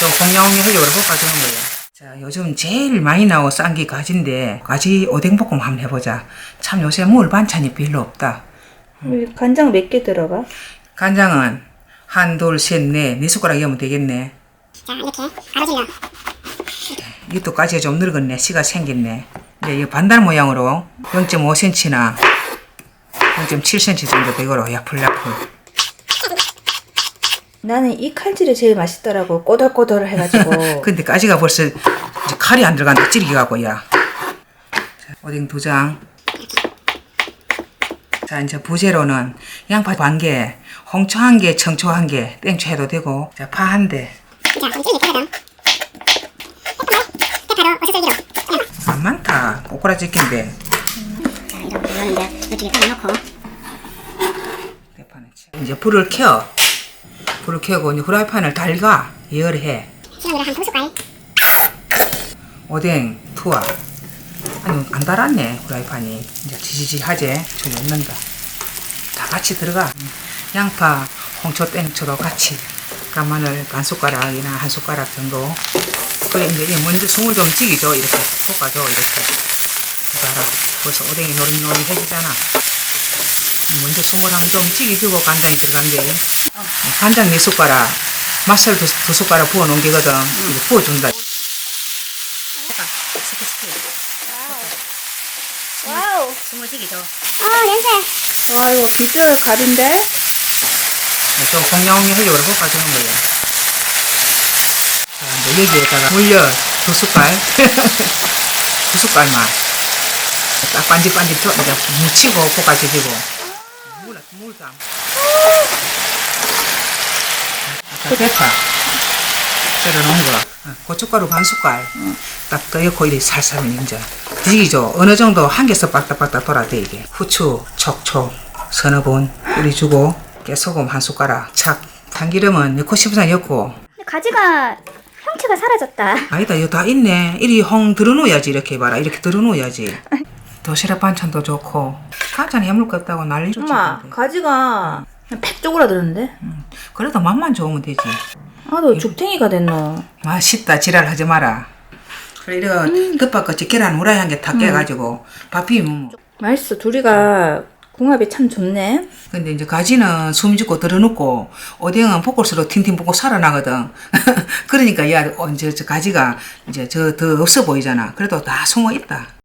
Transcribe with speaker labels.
Speaker 1: 좀 공룡이 하려고 볶아주는 거예요. 자, 요즘 제일 많이 나오고 싼 게 가지인데, 가지 오뎅볶음 한번 해보자. 참 요새 먹을 반찬이 별로 없다.
Speaker 2: 간장 몇 개 들어가?
Speaker 1: 간장은 한, 둘, 셋, 넷, 네 숟가락 넣으면 되겠네.
Speaker 3: 자, 이렇게 가로질러.
Speaker 1: 이것도 가지가 좀 늙었네. 씨가 생겼네. 이제 이 반달 모양으로 0.5cm나 0.7cm 정도 되고로 야풀야풀.
Speaker 2: 나는 이 칼질이 제일 맛있더라고. 꼬들꼬들 해가지고.
Speaker 1: 근데 가지가 벌써 이제 칼이 안 들어간다. 찌르기가고 야. 자, 오뎅 2장. 자, 이제 부재로는 양파 1개, 홍초 1개, 청초 1개, 땡초 해도 되고, 자, 파 1대.
Speaker 3: 자, 좀 찔릴 거거든. 대파로 어슷썰기로.
Speaker 1: 안 많다. 꼬꾸라지긴데.
Speaker 3: 자, 이렇게 넣는데 이쪽에 깔아놓고.
Speaker 1: 대파는 이제 불을 켜. 불을 켜고 이제 후라이팬을 달가 열해.
Speaker 3: 시간으로 한 2숟갈.
Speaker 1: 오뎅, 투하. 아니, 안 달았네, 후라이팬이. 이제 지지지하지? 저기 넣는다. 다 같이 들어가. 양파, 홍초, 땡초도 같이. 간마늘 반 숟가락이나 한 숟가락 정도. 그래, 이제 먼저 숨을 좀 찌기죠. 이렇게 볶아줘, 이렇게. 봐라. 벌써 오뎅이 노릇노릇해지잖아. 먼저 숨을 한번 좀 찌기주고 간장이 들어간대. 간장 4숟가락, 맛살 2숟가락 부어 놓은 게거든. 이거 부어준다.
Speaker 2: 와우.
Speaker 3: 숨을 튀기죠. 냄새.
Speaker 2: 와, 이거 비주얼 갑인데?
Speaker 1: 좀 공룡이 하려고 볶아주는 거예요. 자, 이제 여기에다가 물엿 2숟갈. 2숟갈만. 딱 반질반질 이제 묻히고 볶아주고. 물감. 자, 대파. 썰어놓은 거. 고춧가루 반 숟갈. 딱 넣고 이렇게 살살 이제 뒤지죠. 어느 정도 한 개서 빡딱빡딱 돌아대 이게. 후추, 촉촉, 서너 번 뿌려주고 깨소금 한 숟가락. 착. 참기름은 넣고 싶으면 넣고.
Speaker 3: 가지가 형체가 사라졌다.
Speaker 1: 아니다, 이거 다 있네. 이리 홍 들어놓아야지. 이렇게 봐라. 이렇게 들어놓아야지. 도시락 반찬도 좋고. 반찬 해물 거 없다고 난리 좋지.
Speaker 2: 엄마, 가지가 팩 쪼그라드는데?
Speaker 1: 그래도 맛만 좋으면 되지.
Speaker 2: 아, 너 죽탱이가 됐노.
Speaker 1: 맛있다. 지랄하지 마라. 그래, 이거 덮밥같이 계란 후라이 한 개 탁 깨가지고 밥 비우면 뭐.
Speaker 2: 맛있어. 둘이가 궁합이 참 좋네.
Speaker 1: 근데 이제 가지는 숨 죽고 들어놓고 오뎅은 볶을수록 팅팅 볶고 살아나거든. 그러니까 야, 이제 저 가지가 이제 저 더 없어 보이잖아. 그래도 다 숨어 있다.